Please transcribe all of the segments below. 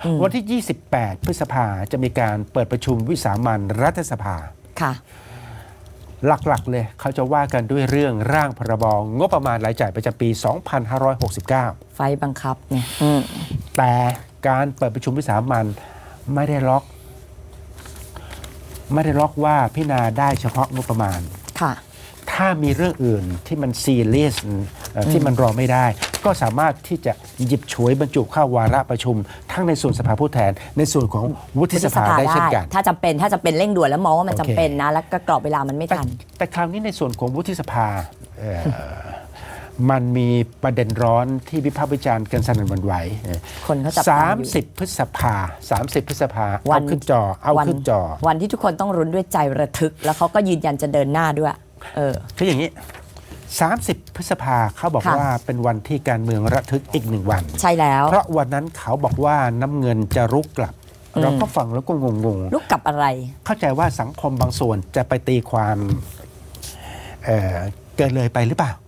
วันที่ 28 พฤษภาจะมีการเปิดประชุมวิสามัญรัฐสภาค่ะหลักๆเลยเขาจะว่ากันด้วยเรื่องร่างพรบงบประมาณรายจ่ายประจำปี 2569 ไฟบังคับเนี่ยแต่การเปิดประชุมวิสามัญไม่ได้ล็อกว่าพิจารณาได้เฉพาะงบประมาณค่ะถ้ามีเรื่องอื่นที่มันซีเรียสที่มันรอไม่ได้ก็สามารถที่จะหยิบฉวยบรรจุเข้าวาระประชุมทั้งในส่วนสภาผู้แทนในส่วนของวุฒิสภาได้เช่นกันถ้าจำเป็นเร่งด่วนแล้วมองว่ามันจำเป็นนะแล้วก็กรอบเวลามันไม่ทันแต่คราวนี้ในส่วนของวุฒิสภามันมีประเด็นร้อนที่วิพากษ์วิจารณ์กันสนั่นหวั่นไหวคนเขาจับตามอยู่ 30 พฤษภาเอาขึ้นจอวันที่ทุกคนต้องรุ้นด้วยใจระทึกแล้วเขาก็ยืนยันจะเดินหน้าด้วยคืออย่างนี้30 พฤษภาเขาบอกว่าเป็นวันที่การเมืองระทึกอีก1 วันใช่แล้วเพราะวันนั้นเขาบอกว่าน้ำเงินจะรุกกลับเราก็ฟังแล้วก็งงรุกกลับอะไรเข้าใจว่าสังคมบางส่วนจะไปตีความเกินเลยไปหรือเปล่า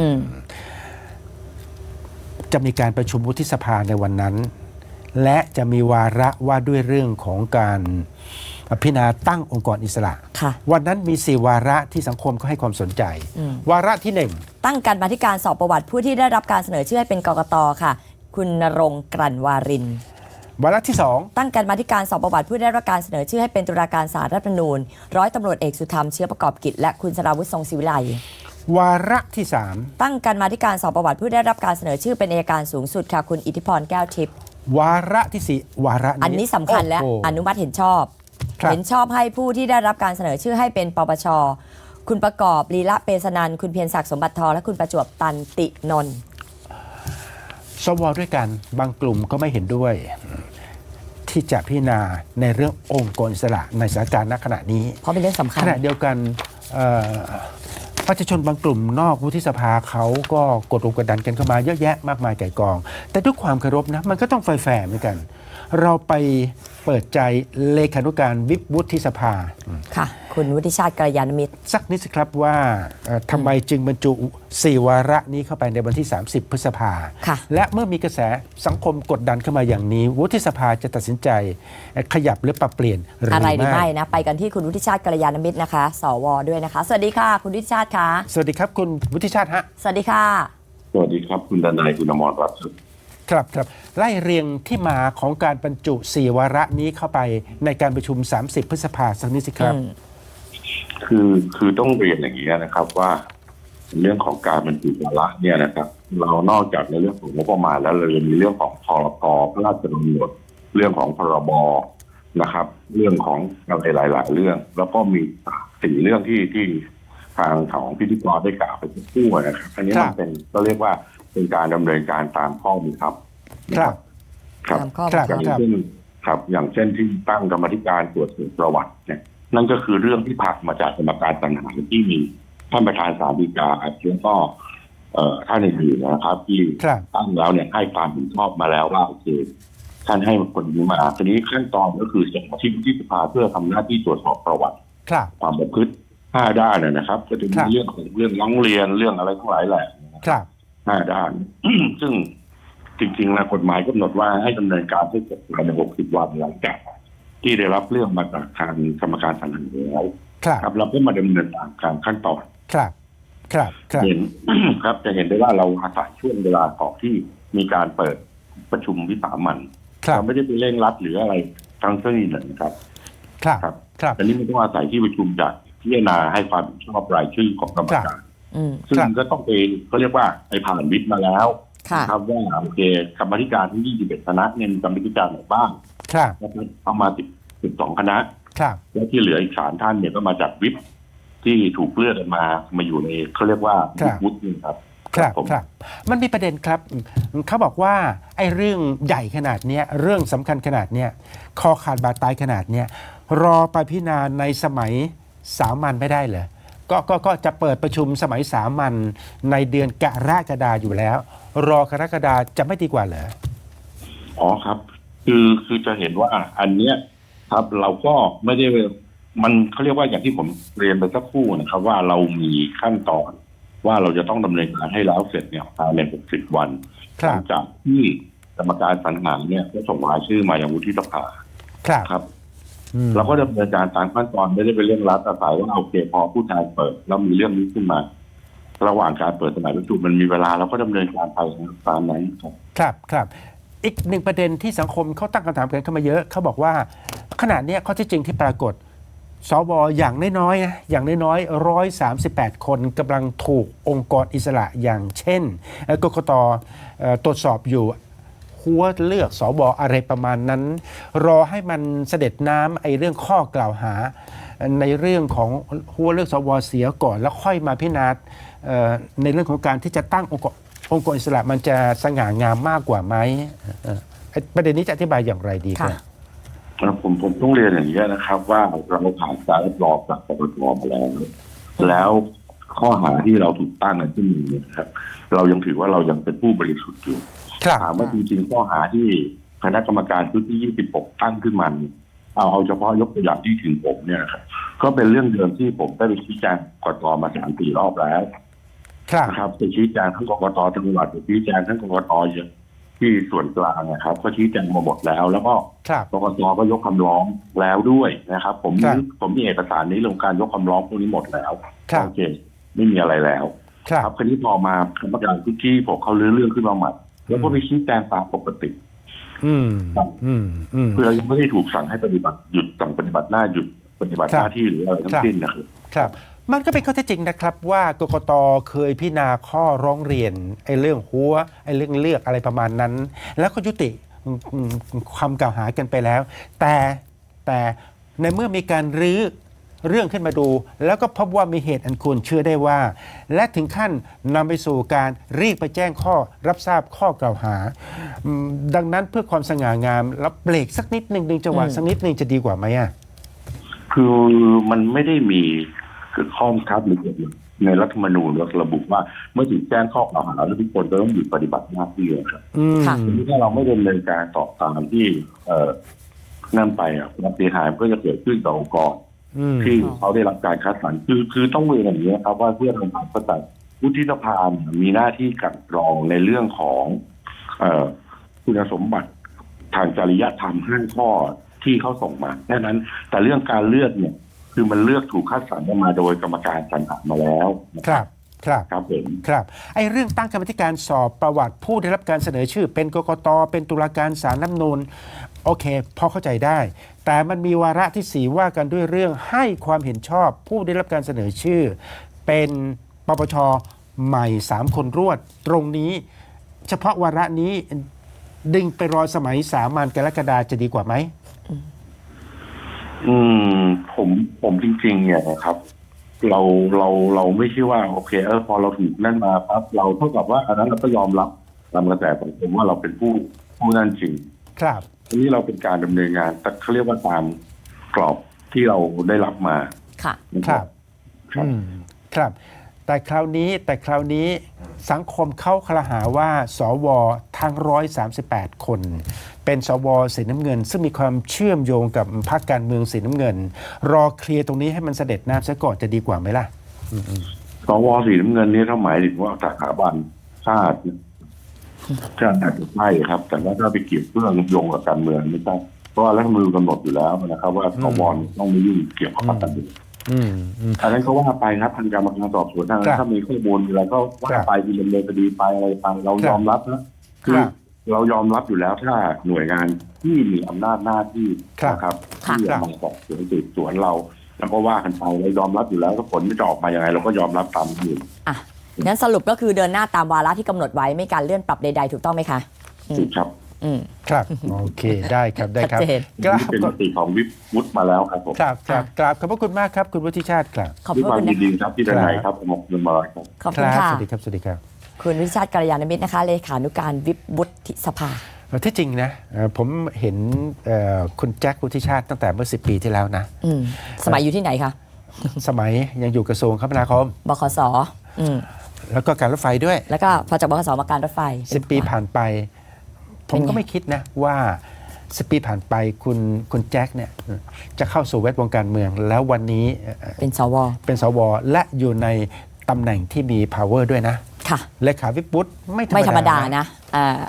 จะมีการประชุมวุฒิสภาในวันนั้นและจะมีวาระว่าด้วยเรื่องของการพิจารณาตั้งองค์กรอิสระวันนั้นมี4 วาระที่สังคมก็ให้ความสนใจวาระที่1 ตั้งกรรมาธิการสอบประวัติผู้ที่ได้รับการเสนอชื่อให้เป็นกกต.ค่ะคุณณรงค์กลั่นวารินวาระที่2 ตั้งกรรมาธิการสอบประวัติผู้ได้รับการเสนอชื่อให้เป็นตุลาการศาลรัฐธรรมนูญร้อยตำรวจเอกสุธรรมเชื้อประกอบกิจและคุณสราวุฒิทรงศิวิไลวาระที่3 ตั้งกรรมาธิการสอบประวัติผู้ได้รับการเสนอชื่อเป็นอัยการสูงสุดค่ะคุณอิทธิพรแก้วทิพย์วาระที่4วาระอันนี้สำคัญและอนุมัติเห็นชอบให้ผู้ที่ได้รับการเสนอชื่อให้เป็นปปช.คุณประกอบลีละเปสนันคุณเพียรศักดิ์สมบัติทองและคุณประจวบตันตินนท์สว.ด้วยกันบางกลุ่มก็ไม่เห็นด้วยที่จะพิจารณาในเรื่ององค์กรอิสระในสถานการณ์ณขณะนี้เพราะเป็นเรื่องสำคัญขณะเดียวกันประชาชนบางกลุ่มนอกวุฒิสภาเขาก็กดดันกันเข้ามาเยอะแยะมากมายไก่กองแต่ด้วยความเคารพนะมันก็ต้องแฟร์เหมือนกันเราไปเปิดใจเลขานุการวิปวุฒิสภาค่ะคุณวุฒิชาติกัลยาณมิตรสักนิดสิครับว่าทำไมจึงบรรจุ4 วาระนี้เข้าไปในวันที่30 พฤษภาและเมื่อมีกระแสสังคมกดดันเข้ามาอย่างนี้วุฒิสภาจะตัดสินใจขยับหรือปรับเปลี่ยนอะไรหรือไม่นะไปกันที่คุณวุฒิชาติกัลยาณมิตรนะคะสว.ด้วยนะคะสวัสดีค่ะคุณวุฒิชาติค่ะสวัสดีครับคุณวุฒิชาติฮะสวัสดีค่ะสวัสดีครับคุณดนัยคุณอมรรัตน์ครับไล่เรียงที่มาของการบรรจุ4 วาระนี้เข้าไปในการประชุม30 พฤษภาสักนิดสิครับคือต้องเรียนอย่างนี้นะครับว่าเรื่องของการบรรจุวาระเนี่ยนะครับเรานอกจากในเรื่องของงบประมาณแล้วเรายังมีเรื่องของพรก.พระราชกำหนดเรื่องของพรบ.นะครับเรื่องของอะไรหลายๆเรื่องแล้วก็มี4 เรื่องที่ทางของพิธีกรได้กล่าวไปทุกคู่นะครับอันนี้มันเป็นก็เรียกว่าเป็นการดำเนินการตามข้อบังคับอย่างเช่นที่ตั้งกรรมธิการตรวจสอบประวัติเนี่ยนั่นก็คือเรื่องที่ผ่านมาจากกรรมการสรรหาที่มีท่านประธานศาลฎีกาแล้วก็ท่านอื่นๆนะครับที่ตั้งแล้วเนี่ยให้ความเห็นชอบมาแล้วว่าโอเคท่านให้คนนี้มาทีนี้ขั้นตอนก็คือส่งมาที่วุฒิสภาเพื่อทำหน้าที่ตรวจสอบประวัติความประพฤติ5 ด้านนะครับก็จะมีเรื่องของเรื่องร้องเรียนเรื่องอะไรทั้งหลายแหละ5 ด้าน ซึ่งจริงๆแล้วกฎหมายกำหนดว่าให้ดำเนินการให้เสร็จภายใน60 วันหลังจากที่ได้รับเรื่องมาจากทางกรรมการสรรหาแล้วครับเราก็มาดำเนินการขั้นตอนเห็นครับจะเห็นได้ว่าเราอาศัยช่วงเวลาของที่มีการเปิดประชุมวิสามัญเราไม่ได้ไปเร่งรัดหรืออะไรทั้งสิ้นเลยนะครับแต่นี่มันต้องอาศัยที่ประชุมจากพิจารณาให้ความชอบรายชื่อของกรรมการซึ่งก็ต้องเป็นเขาเรียกว่าไอ้ผ่านวิปมาแล้วครับว่าโอเคกรรมธิการที่21 คณะเนี่ยมีกรรมธิการไหนบ้างนะครับเอามา12 คณะแล้วที่เหลืออีก3 ท่านเนี่ยก็มาจากวิปที่ถูกเลือกมาอยู่ในเขาเรียกว่าวิปวุฒิครับมันมีประเด็นครับเขาบอกว่าไอ้เรื่องใหญ่ขนาดนี้เรื่องสำคัญขนาดนี้คอขาดบาดตายขนาดนี้รอไปพิจารณาในสมัยสามัญไม่ได้เหรอก็จะเปิดประชุมสมัยสามัญในเดือนกรกฎาคมอยู่แล้วรอกรกฎาคมจะไม่ดีกว่าเหรออ๋อครับคือจะเห็นว่าอันเนี้ยครับเราก็ไม่ได้มันเขาเรียกว่าอย่างที่ผมเรียนไปสักครู่นะครับว่าเรามีขั้นตอนว่าเราจะต้องดำเนินการให้แล้วเสร็จเนี่ยภายใน60 วันหลังจากที่รรมการสรรหาเนี่ยก็ส่งรายชื่อมายังวุฒิสภาครับครับอืมเราก็ดำเนินการตามขั้นตอนไม่ได้เป็นเรื่องรัฐอาศัยว่าโอเคพอผู้แทนเปิดแล้วมีเรื่องนี้ขึ้นมา ระหว่างการเปิดสมัยประชุมมันมีเวลาเราก็ดำเนินการไปตามนั้นครับครับครับอีกหนึ่งประเด็นที่สังคมเขาตั้งคำถามกันเข้ามาเยอะเขาบอกว่าขณะเนี้ยข้อที่จริงที่ปรากฏสวอย่างน้อยๆนะอย่างน้อยๆ138 คนกำลังถูกองค์กรอิสระอย่างเช่นกกตตรวจสอบอยู่หัวเลือกสวอะไรประมาณนั้น รอให้มันเสด็จน้ำไอ้เรื่องข้อกล่าวหา ในเรื่องของหัวเลือกสวเสียก่อนแล้วค่อยมาพิจารณาในเรื่องของการที่จะตั้งองค์กรอิสระมันจะสง่างามมากกว่าไหมประเด็นนี้จะอธิบายอย่างไรดีครับผมต้องเรียนอย่างนี้นะครับ ว่าเราผ่านการรับรองจากปปชมาแล้วข้อหาที่เราถูกตั้งกันที่มีเนี่ยครับ เรายังถือว่าเรายังเป็นผู้บริสุทธิ์อยู่ครับถามว่าจริงๆข้อหาที่คณะกรรมการชุดที่26ตั้งขึ้นมาเนี่ยเอาเฉพาะยกตัวอย่างที่ถึงผมเนี่ยครับก็เป็นเรื่องเดิมที่ผมได้ไปชี้แจงกกตมา3-4 รอบแล้วครับนะครับไปชี้แจงทั้งกกตจังหวัดไปชี้แจงทั้งกกตที่ส่วนกลางนะครับ ก็ชี้แจงมาหมดแล้ว แล้วก็ครับกกตก็ยกคำร้องแล้วด้วยนะครับ ผมครับมีเอกสารนี้ลงการยกคำร้องพวกนี้หมดแล้วครับโอเคไม่มีอะไรแล้วครับคราวนี้พอมาคณะกรรมการชุดที่ผมเขาลื้อเรื่องขึ้นมาใหม่แล้วก็ไปชี้แจงตามปกติอืมอืมอืมคือเรายังไม่ได้ถูกสั่งให้ปฏิบัติหยุดสั่งปฏิบัติหน้าหยุดปฏิบัติหน้าที่หรืออะไรทั้งสิ้นนะครับครับมันก็เป็นข้อเท็จจริงนะครับว่ากกตเคยพิจารณาข้อร้องเรียนไอ้เรื่องหัวไอ้เรื่องเลือกอะไรประมาณนั้น แล้วก็ยุติความกล่าวหากันไปแล้ว แต่ในเมื่อมีการรื้อเรื่องขึ้นมาดู แล้วก็พบว่ามีเหตุอันควรเชื่อได้ว่า และถึงขั้นนำไปสู่การรีบไปแจ้งข้อรับทราบข้อกล่าวหาดังนั้นเพื่อความสง่างามแล้วเบรกสักนิดหนึ่งดึงจังหวะสักนิดหนึ่งจะดีกว่าไหมอ่ะคือมันไม่ได้มีข้อบังคับหรือในรัฐธรรมนูญระบุว่าเมื่อถูกแจ้งข้อกล่าวหาแล้วทุกคนจะต้องหยุดปฏิบัติหน้าที่ครับค่ะทีนี้ถ้าเราไม่ดำเนินการต่อตามที่นั่นไปความเสียหายก็จะเกิดขึ้นต่อองค์กรที่เขาได้รับการคัดสรรคือต้องเรียนอย่างนี้ครับว่าเพื่อทำความเข้าใจวุฒิสภามีหน้าที่กลั่นกรองในเรื่องของคุณสมบัติทางจริยธรรม5 ข้อที่เขาส่งมาแค่นั้นแต่เรื่องการเลือกเนี่ยคือมันเลือกถูกคัดสรรมาโดยกรรมการสรรหามาแล้วครับครับครับผมครับไอ้เรื่องตั้งกรรมการสอบประวัติผู้ได้รับการเสนอชื่อ เป็นกกตเป็นตุลาการศาลรัฐธรรมนูญโอเคพอเข้าใจได้ แต่มันมีวาระที่4ว่ากันด้วยเรื่องให้ความเห็นชอบผู้ได้รับการเสนอชื่อ เป็นปปชใหม่3 คนรวดตรงนี้ เฉพาะวาระนี้ดึงไปรอสมัยสามัญกรกฎาจะดีกว่าไหมผมจริงๆเนี่ยนะครับเราไม่ใช่ว่าโอเคพอเราถูกนั่นมาปั๊บเราเท่ากับว่าอันนั้นเราก็ยอมรับตามกระแสสังคมว่าเราเป็นผู้นั่นจริงครับทีนี้เราเป็นการดำเนินงานแต่เขาเรียกว่าตามกรอบที่เราได้รับมาค่ะนะครับอืมครับแต่คราวนี้สังคมเข้าคลหาว่าสวทั้ง138 คน เป็นสวสีน้ำเงิน ซึ่งมีความเชื่อมโยงกับพรรคการเมืองสีน้ำเงิน รอเคลียร์ตรงนี้ให้มันเสด็จน้ำซะก่อนจะดีกว่าไหมล่ะสวสีน้ำเงินนี้ถ้าหมายถึงว่าสถาบันชาติก็อาจจะใช่ครับ แต่ว่าถ้าไปเกี่ยวเรื่องโยงกับการเมืองไม่ใช่เพราะว่ารัฐธรรมนูญกำหนดอยู่แล้วนะครับ ว่าสวต้องไม่ยุ่งเกี่ยวกับพรรคการเมืองอันนั้นก็ว่าไปครับทางกรรมการสอบสวนทางถ้ามีข้อมูลอะไรก็ว่าไปดำเนินคดีไปอะไรไปเรายอมรับนะคือเรายอมรับอยู่แล้วถ้าหน่วยงานที่มีอำนาจหน้าที่นะครับที่จะมาสอบสวนสืบสวนเราแล้วก็ว่ากันไปเรายอมรับอยู่แล้วก็ผลไม่จะออกมาอย่างไรเราก็ยอมรับตามนี้อ่ะงั้นสรุปก็คือเดินหน้าตามวาระที่กำหนดไว้ไม่การเลื่อนปรับใดๆถูกต้องไหมคะถูกครับครับโอเคได้ครับได้ครับชัดเจนกราบเป็นมติของวิปวุฒิมาแล้วครับผมครับกราบขอบพระคุณมากครับคุณวุฒิชาติครับขอบด้วยพระความคุณยินะนดีครับที่ได้ไหนครับผมขอบคุณมากครับขอบคุณค่ะสวัสดีครับสวัสดีครับคุณวิชาติกัลยาณมิตรนะคะเลขานุการวิปวุฒิสภาที่จริงนะผมเห็นคุณแจ็ควุฒิชาติตั้งแต่เมื่อ10 ปีที่แล้วนะสมัยอยู่ที่ไหนคะสมัยยังอยู่กระทรวงคมนาคมบขสแล้วก็การรถไฟด้วยแล้วก็พอจากบขสมาการรถไฟ 10 ปีผ่านไป ผมก็ไม่คิดนะว่า10 ปีผ่านไปคุณแจ็คเนี่ยจะเข้าสู่แวดวงการเมือง แล้ววันนี้เป็นสวเป็นสวและอยู่ในตำแหน่งที่มี power ด้วยนะค่ะเลขาวิปวุฒิไม่ไม่ธรรมดานะนะ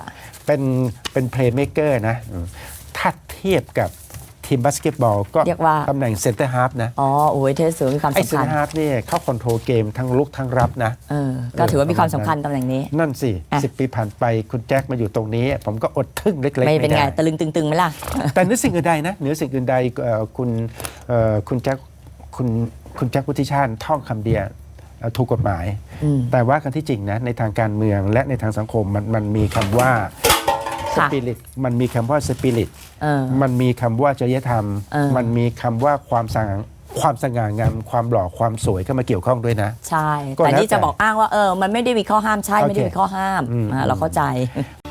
เป็นเพลย์เม k เกอร์นะถ้าเทียบกับทีมบาสเกตบอลก็เรียกว่าตำแหน่งเซนเตอร์ฮาร์ฟนะอ๋อโอ้ยเทสสูมีความไอ้เซสำนคัเตญอร์ฮาร์ฟเนี่ยเขาคอนโทรลเกมทั้งลุกทั้งรับนะก็ถือว่ามีความสำคัญตำแหน่งนี้นั่นสิอ่ะ 10 ปีผ่านไปคุณแจ็คมาอยู่ตรงนี้ ผมก็อดทึ่งเล็กๆไม่เป็นไงด้ตะลึงตึงๆไหมล่ะแต่เหนือสิ่งอื่นใดนะเหนือสิ่งอื่นใดคุณแจ็คคุณแจ็ควุฒิชาติท่องคำเดียวถูกกฎหมาย แต่ว่ากันที่จริงนะในทางการเมืองและในทางสังคมมันมีคำว่าสค่ะปิริตมันมีคำว่าสปิริตเออมันมีคำว่าจริยธรรม มันมีคำว่าความสง่างามความหล่อความสวยเข้ามาเกี่ยวข้องด้วยนะใช่ก็แต่แล้วนี่จะบอกอ้างว่ามันไม่ได้มีข้อห้ามใช่โอเคไม่ได้มีข้อห้ามเราเข้าใจ